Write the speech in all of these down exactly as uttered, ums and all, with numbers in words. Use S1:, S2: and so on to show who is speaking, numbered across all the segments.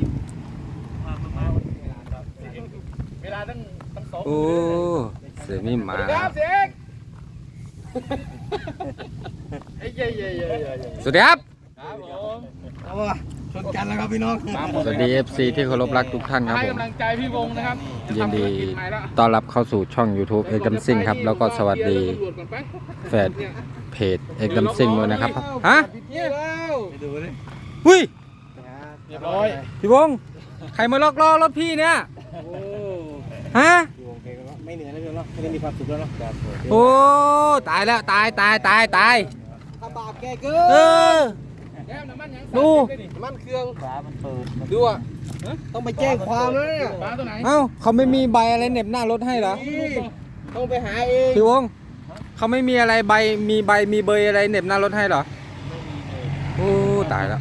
S1: เวลาตั้งตั้งสอง
S2: โอ้เสียมีหมา
S1: ครับเสียงไอ้เย่เย่เย่เย่
S2: สวัสดีครับ
S1: ครับผม
S3: เอาวะชนกันแล้วครับพี่น้อง
S2: สวัสดี เอฟ ซี ที่เคารพรักทุกท่านครับ
S1: ให้
S2: ผม
S1: กำลังใจพี่วงนะครับ
S2: ยินดีต้อนรับเข้าสู่ช่อง YouTube เอกดัมซิ่งครับแล้วก็สวัสดีแฟนเพจเอกดัมซิ่งด้วยนะครับฮะ
S1: เนี่ยแล้ว
S3: ไปดูเลย
S2: หุ้ย
S1: เรียบร้อย
S2: พี่วงใครมาล็อกล้อรถพี่เนี่ย
S1: โอ้
S2: ฮะ
S3: พี่วงเพลงก็ไม่เหนื่อยแล้วพี่เนาะไม่ได้มีความสุขแล้วเนาะ
S2: โอ้ตายแล้วตายตายตายตาย
S3: ถ้าบาปแกเกิ
S2: เออ
S1: แก้มน้ำมันยัง
S2: ดู
S3: มันเครื่อง
S1: ฝามันเปิด
S3: ดูอ่ะต้องไปแจ้งความแล้วเนี่ย
S1: ฝาตัวไหน
S2: เอ้าเขาไม่มีใบอะไรเหน็บหน้ารถให้เหรอ
S3: นี่ต้องไปหาเอง
S2: พี่วงเขาไม่มีอะไรใบมีใบมีเบยอะไรเหน็บหน้ารถให้เหรอโอ้ตายแล้ว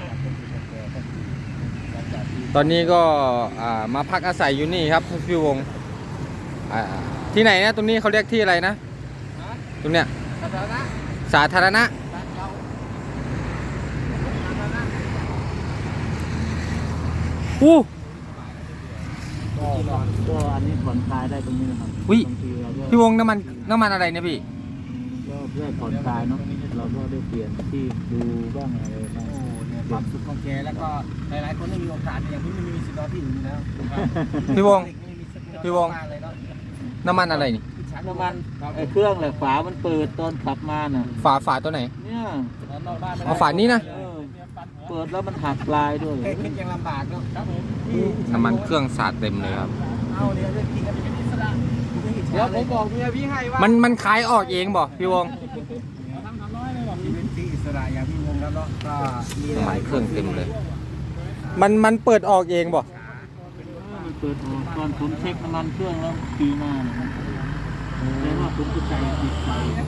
S2: ตอนนี้ก็อ่ามาพักอาศัยอยู่นี่ครับพี่วงอ่าที่ไหนนะตรงนี้เขาเรียกที่อะไรนะตรงเนี้ย
S1: สาธารณะ
S2: สาธารณะอู้
S4: ก็ก็อันนี้ผ่อนคลายได้ตรงนี้นะครับ
S2: วิ
S4: บางทีเราก็
S2: พี่วงน้ำมันน้ำมันอะไรเนี่ยพี่
S4: ก็เพื่อผ่อนคลายเนาะเราก็ได้เปลี่ยนที่ดูบ้างอะไรบ้าง
S3: โอ้เนี่ยความสุขของแกแล้วก็หลายๆคนไม่มีโอกาสอย่างพี่ไม่มีสิทธิ์นอนที่อื่นแล้ว
S2: พี่วง
S3: ไม่มีสิทธิ์นอน
S2: พี่วง
S3: บ้านเลยเนาะ
S2: น้ำมันอะไรนี่
S4: น้ำมันไอ้เครื่องแหละฝามันเปิดตอนขับมาน่ะ
S2: ฝาฝาตัวไหน
S4: เนี่ย
S1: นอกบ้านไม่ได้
S2: เอาฝานี้นะ
S4: เออเปิดแล้วมันหักปลายด้วย
S3: แค่คิดยังลำบากเนาะ
S1: ครับผม
S2: น้ำมันเครื่องสาดเต็มเลยครับ
S3: เอาเนี่ยเรื่องกินกันเป็นอิสระ
S1: เดี๋ยวผมบอกเมียพี่ให้ว่า
S2: มันมันขายออกเองบ่พี่วง
S1: ทำทำน้อยเลยบอก
S3: ชีวิตที่อิสระอย่างพี่วงแล้วเนาะก็มี
S2: น้ำ
S3: ห
S2: มั
S3: ลาน ย
S2: เครื่องเต็มเลย มันมันเปิดออกเองบ่
S4: มันเปิดออกตอนผมเช็คน้ำมันเครื่องแล้วปีหน้าเนี่ยมันเรียกว่าผมจะใส่ติดไฟอะไร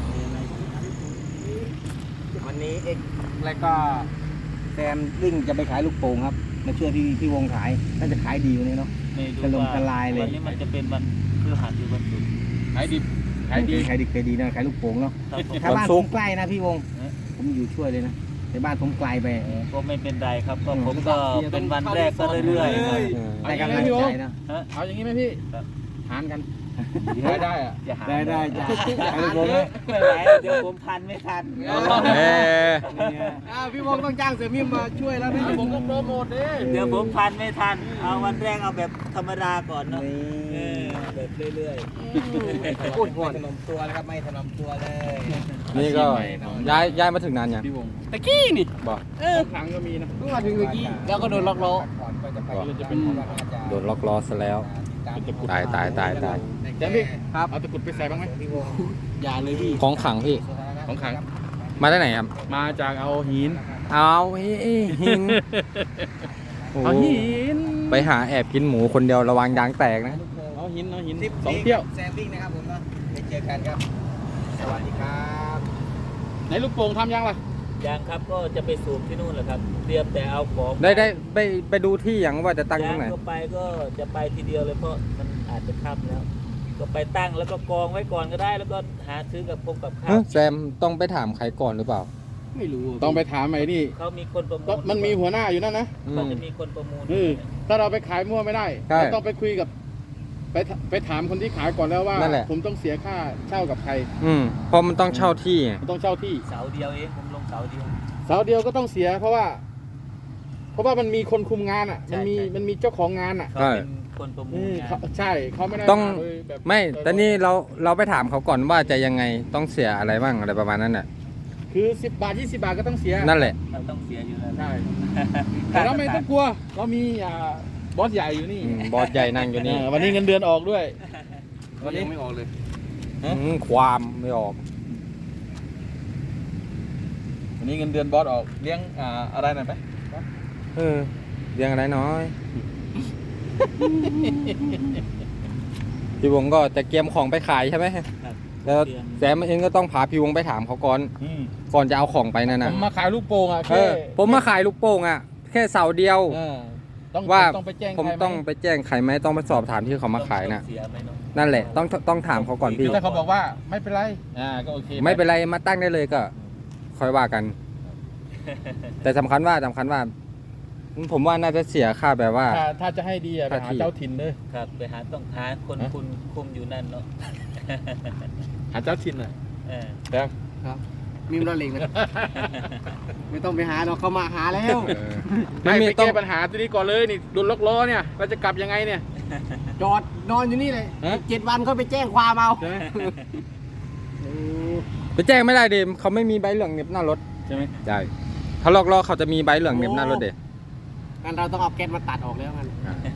S3: วันนี้เอ็กแล้วก็แซมวิ่งจะไปขายลูกโป่งครับมาช่วยพี่พี่วงขายน่าจะขายดีวันนี้เนาะ
S4: ไม่รู้
S3: กระลง
S4: ว่าก
S3: ระลายเลย
S4: วันนี้มันจะเป็นวันพฤหัสหรือวันศุกร์
S1: ขายดิบขายดี
S3: ขายดีขายดีนะขายลูกโป่งเนาะ
S4: ครับผม
S3: ถ้าบ้านผมใกล้นะพี่วงผมอยู่ช่วยเลยนะในบ้านผมไกลไป
S4: ก็ไม่เป็นไรครับก็ผมก็เป็นวันแรกก็เรื่อยๆครับ
S3: ได้กำลังใจนะ
S4: ฮะ
S1: เอาอย่างนี้ไหมพี่
S4: ครับ
S1: หารกันได้ได้อะ
S4: จะหา
S3: ได้ได้จ้ะ
S4: หาผมไม่ไหวเดี๋ยวผมทันไม่ทัน
S2: เออ
S3: อ่าพี่วงต้องจ้างเสือมิมมาช่วยแล้วนะ
S1: ผมก็โปรโมทดิ
S4: เดี๋ยวผมทันไม่ทัน เอาวันแรกเอาแบบธรรมดาก่อนเนาะเออแบบเรื่อย
S3: พูดไม่ถนอมตัวแล้วครับไม่ถนอมตัวเลย
S2: นี่ก็ย้ายย้ายมาถึงนานยัง
S1: พี่วง
S3: ตะกี้นี่
S2: บ่
S1: เออครั้งก็มีนะ
S3: เพิ่งมาถึงตะกี้แล้วก็โดนล็อกล้อ
S1: จะเป็น
S2: โดนล็อกล้อซะแล้ว ตายตายตายตาย
S1: แจมพี่ครับเอาตะกรุดไปใส่บ้างไหม
S3: อย่าเลยพี่
S2: ของขังพี่
S1: ของขัง
S2: มาได้ไหนครับ
S1: มาจากเอาหิน
S2: เอาหินโอ้
S1: เอาหิน
S2: ไปหาแอบกินหมูคนเดียวระวังยางแตกนะ
S1: เอาหินเอาหินสองเที่ยว
S3: แซมวิ่งนะครับผมเนาะไปเจอกันครับ สวัสดีครับ
S1: ไหนลูกโป่งทำยังล่ะ
S4: ๆยังครับก็จะไปสูบที่นู่นแหละครับ เตรียมแต่เอาของ
S2: ได้ได้ไปไปดูที่อย่างว่าจะตั้งตรงไหน
S4: ก็ไปก็จะไปทีเดียวเลยเพราะมันอาจจะค่ำแล้ว ก็ไปตั้งแล้วก็กองไว้ก่อนก็ได้ แล้วก็หาซื้อกับพงกับข้า
S2: เฮ้
S4: วย
S2: แซมต้องไปถามใครก่อนหรือเปล่า
S3: ไม่รู้
S1: ต้องไปถามไอ้นี่
S4: เขามีคนประมู
S1: ก็
S4: ล
S1: มันมีหัวหน้าอยู่นั่นนะ
S2: อื
S4: เขา
S2: ม
S4: จะมีคนประมูล
S1: เออถ้าเราไปขายมั่วไม่ได้
S2: ใช่
S1: เราต้องไปคุยกับ ไปถไปถามคนที่ขายก่อนแล้วว่า
S2: นั่นแหละ
S1: ผมต้องเสียค่าเช่ากับใคร
S2: อืมเพราะมันต้องเช่าที่ไง
S1: ผมต้องเช่าที่
S4: เสาเดียวเองผมลงเสาเดียว
S1: เสาเดียวก็ต้องเสีย เพราะว่า เพราะว่ามันมีคนคุมงานอ่ะ
S4: ใช่
S1: มันมี
S4: ใช่
S1: มันมีเจ้าของงานอ่ะ
S4: เขาเป็นคนประมู
S1: อื
S4: ล
S1: ม
S4: งา
S1: เขา
S4: น
S1: ใช่เขาไม่ได้
S2: ต้อง
S1: าโดยแบบ
S2: ไม่แต่นี่เราเราไปถามเขาก่อนว่าจะยังไงต้องเสียอะไรบ้างอะไรประมาณนั้นน่ะ
S1: คือสิบบาทยี่สิบบาทก็ต้องเสีย
S2: นั่นแหละ
S4: เราต้องเสียอยู่แล้ว
S1: ใช่ แต่เราไม่ต้องกลัว เรามีอ่าบอสใหญ่อยู่นี่
S2: อืมบอสใหญ่นั่งอยู่นี่
S1: เออวันนี้เงินเดือนออกด้วย วันนี้ไม่ออกเลย
S2: อืมความไม่ออก
S1: วันนี้เงินเดือนบอสออก เลี้ยงอ่าอะไรหน่อยไหม
S2: เออเรียงอะไรน้อย พี่วงก็จะเตรียมของไปขายใช่ไหม
S4: ครับ
S2: แล้วแซมเองก็ต้องพาพี่วงไปถามเขาก่อน
S1: อืม
S2: ก่อนจะเอาของไปนั่น
S1: ผ
S2: น่ะ
S1: มมาขายลูกโป่งอ่ะ
S2: เอ
S1: แค่
S2: อผมมาขายลูกโป่งอ่ะ แค่เสาเดียว
S1: เออต้อง
S2: ว่า
S1: ต้องไปแจ้ง
S2: ผม
S1: ใครไห
S2: ต้องไปแจ้งใครไหมต้องไปสอบถามที่เขามาขายน่ะ
S4: เสียไหมเนาะ
S2: นั่นแหละต้องต้องถามเขาก่อน
S1: คื
S2: พี่
S1: อถ้าเขาบอกว่าไม่เป็นไรอ่าก็โอเค
S2: ไม่เป็นไรมาตั้งได้เลยก็ ค่อยว่ากัน แต่สำคัญว่าสำคัญว่าผมว่าน่าจะเสียค่าแบบว่า
S1: ถ้าถ้าจะให้ดีอะไปหา
S2: ค่าที่
S1: เจ้าถิ่นเลย
S4: ครับไปหาต้องหาคนคุณคุมอยู่นั่นเนาะ
S1: หาเจ้าถิ่นอ่ะ
S4: เออ
S1: แต่
S3: ครับ มีมรเล็งนะไม่ต้องไปหาเราเขามาหาแล้ว
S2: ไม่
S1: ไม่
S2: มี
S1: ไป
S2: ต้อ
S1: แก้
S2: ง
S1: ปัญหาตัวนี้ก่อนเลยนี่โดนล็อกล้อเนี่ยเราจะกลับยังไงเนี่ย
S3: จอดนอนอยู่นี่เลย
S1: ฮะ
S3: เจ็ดวันเขาไปแจ้งความเอา
S1: ใช่ไหม
S2: ไปแจ้งไม่ได้เดมเขาไม่มีใบเหลืองเหน็บหน้ารถ
S1: ใช่ไหม
S2: ใช่ถ้าลอกล้อเขาจะมีใบเหลืองเหน็บหน้ารถเด
S3: งั้นเราต้องเอาแก๊สมาตัดออกแล้วกัน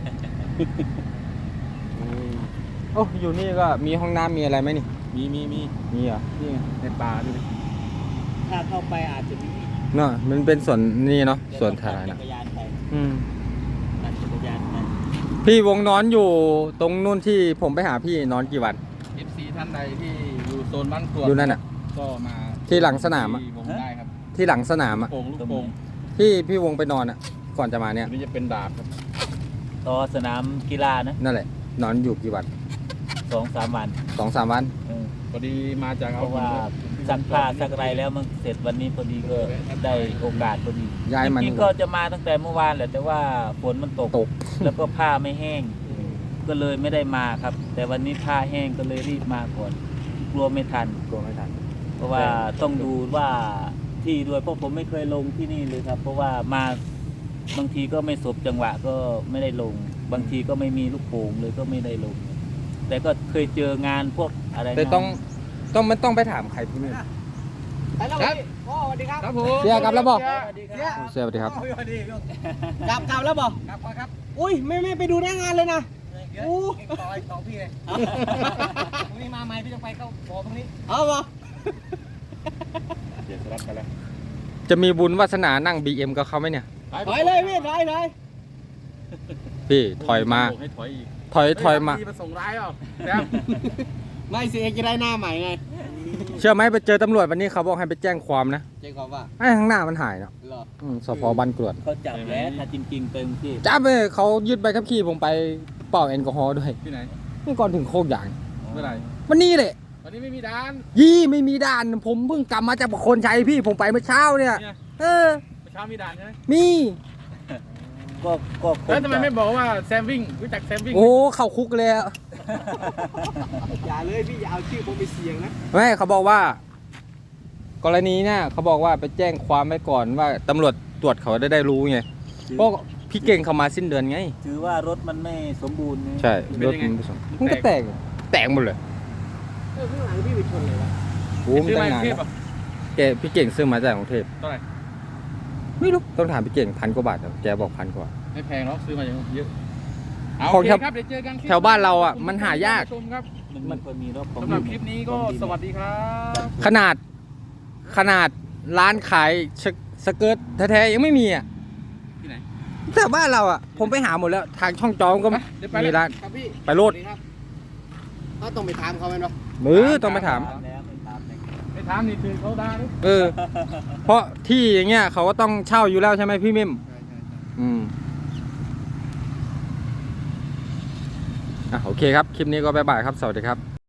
S2: โอ้อยู่นี่ก็มีห้องน้ำมีอะไรไหมนี่
S1: มีมีมี
S2: มีเหรอ
S1: นี่ไงในป่าดูดิ
S4: ถ้าเข้าไปอาจจะมี
S2: เนาะมันเป็นสวนนี่เนาะ
S4: เดี๋ยว
S2: สวน
S4: ต้อง
S2: สาธาร
S4: ปั่
S2: ณะ
S4: จักรยานไป
S2: อืม
S4: ปั่นจักรยานไป
S2: พี่วงนอนอยู่ตรงนู่นที่ผมไปหาพี่นอนกี่วัน
S1: เอฟซีท่านใดที่อยู่โซนบ้านกรวด
S2: อยู่นั่นอ่ะ
S1: ก็มา
S2: ที่หลังสนามอะ
S1: ที่วงได้ครับ
S2: ที่หลังสนามอ่ะ
S1: โป่งลูกโป่ง
S2: ที่พี่วงไปนอนอ่ะ ก่อนจะมาเนี่ย
S1: อันนี้จะเป็นดาบครับ
S4: ต่อสนามกีฬานะ
S2: นั่นแหละ นอนอยู่กี่วัน
S4: สองสามวัน
S2: สองสามวัน
S4: เออ
S1: พอดีมาจาก
S4: เพ
S1: เอา
S4: ราะว่าซักผ้าซักอะไรแล้วมันเสร็จวันนี้พอดีก็ได้โอกาสพอดี
S2: ย้ายมัน
S4: จริงๆก็จะมาตั้งแต่เมื่อวานแหละแต่ว่าฝนมันตก
S2: ตก
S4: แล้วก็ผ้าไม่แห้ง ก็เลยไม่ได้มาครับ แต่วันนี้ผ้าแห้งก็เลยรีบมาก่อนกลัวไม่ทัน
S2: กลัวไม่ทัน
S4: เพราะว่าต้องดูว่าที่ด้วยเพราะผมไม่เคยลงที่นี่เลยครับ เพราะว่ามาบางทีก็ไม่สบจังหวะก็ไม่ได้ลง บางทีก็ไม่มีลูกโป่งเลยก็ไม่ได้ลง แต่ก็เคยเจองานพวกอะไร
S2: แต่
S4: นะ
S2: ต้องต้องมันต้องไปถามใครพี่เมฆ
S3: ไปแล้วพี่โอ้สวัสดีครับ
S1: ครับผม
S2: เสียกลับแล้วบอก
S3: เสีย
S2: เสียสวัสดีครับ
S3: กลับกลับแล้วบอกกลับครับ อุ้ยไม่ไม่ไปดูหน้างานเลยนะอู้ต่อยต่อพี่เลยพรุ่งนี้มาใหม่พี่ต้องไปเข้าบอตรงนี้เอาบ่
S1: เดี๋ยวสลับกันแล้ว
S2: จะมีบุญวาสนานั่ง บี เอ็ม กับเขาไหมเนี่ย
S3: ถอยเลยพี่ถอยเลย
S2: พี่ถอยมา
S1: ให้ถอยอีก
S2: ถอยถอยมา
S1: เฮ้ยส่งร้ายเปล่าแต้ม
S3: ไม่สิเอกจะได้หน้าใหม่ไง
S2: เชื่อไหมไปเจอตำรวจวันนี้เขาบอกให้ไปแจ้งความนะ
S3: เจ๊กอบว่า
S2: ไอ้ข้างหน้ามันหายเนาะ
S3: เหรอ
S2: อืมสพบันกรวด
S4: เขาจับแล้วถ้าจริงๆเต็มที่
S2: จ้าเลยเขายึดใบขับขี่ผมไปเป่าแอลกอฮอล์ด้วย
S1: ที่ไหน
S2: นี่ก่อนถึงโคกยาง
S1: เมื่อไหร่
S2: วันนี้แหละ
S1: วันนี้ไม่มีด่าน
S2: ยี่ไม่มีด่านผมเพิ่งกลับมาจากประโคนชัยพี่ผมไปเมื่อเช้าเนี่ย
S1: เนี่ย
S2: เออ
S1: เมื่อเช้ามีด่านใช่ไหม
S2: มี
S4: ก็ก็คง
S1: แล้วทำไม
S4: จะ
S1: ไม่บอกว่าแซมวิ่งรู้จักแซมวิ่ง
S2: โอ้เข้าคุกเลยอะ
S3: อย่าเลยพี่อย่าเอาชื่อผมไปเสี่ยงนะ
S2: ไม่เขาบอกว่า กรณีเนี่ยเขาบอกว่าไปแจ้งความไว้ก่อนว่าตำรวจตรวจเขาได้ได้รู้ไงเพราะพี่เก่งเขามาสิ้นเดือนไง
S4: ถือว่ารถมันไม่สมบูรณ์นี่
S2: ใช่รถมันผสมมันก็แตกแตกหมดเลย
S3: เออข้างหลังพี่ไปชนเลยวะ
S2: โอ้มัน
S1: ซื้อ
S2: ตั้
S1: มาง
S2: นาน
S1: เทพ
S2: แล้ว
S1: อ่ะ
S2: แกพี่เก่งซื้อมาจากกรุงเทพ
S1: เท่าไหร่
S2: ไม่รู้ต้องถามพี่เก่งพันกว่าบาทครับแกบอกพันกว่า
S1: ไม่แพงหรอกซื้อมาอย่างเยอะเอา
S2: ของ
S1: โอเค
S2: แถว
S1: ครับเดี๋ยวเจอกันคลิป
S2: แถวบ้านเราอ่ะมันหายาก
S1: ชมครับ
S4: มันมันควรมีรถของ
S1: สำหรับคลิปนี้ก็สวัสดีครับ
S2: ขนาดขนาดร้านขายสสเกิร์ตแท้ๆยังไม่มีอ่ะ
S1: ที่ไหน
S2: แต่บ้านเราอ่ะ ผมไปหาหมดแล้ว ทางช่องจอมก็
S1: ไปเดี๋ยวไป
S2: มี
S1: แล้ว
S2: ร้าน
S3: ครับพี่
S2: ไปโลด
S3: สวัสครับเขาต้องไปถามเขาไหมเนาะ
S2: มือต้องไปถาม
S4: ถามแล้วไม่ถามเลย
S1: ไม่ถามนี่คือเขาด่าดิ
S2: เออ เพราะที่อย่างเงี้ยเขาก็ต้องเช่าอยู่แล้วใช่ไหมพี่เมม
S3: ใช่ใช่
S2: อืมอ่ะโอเคครับ คลิปนี้ก็บ๊ายบายครับ สวัสดีครับ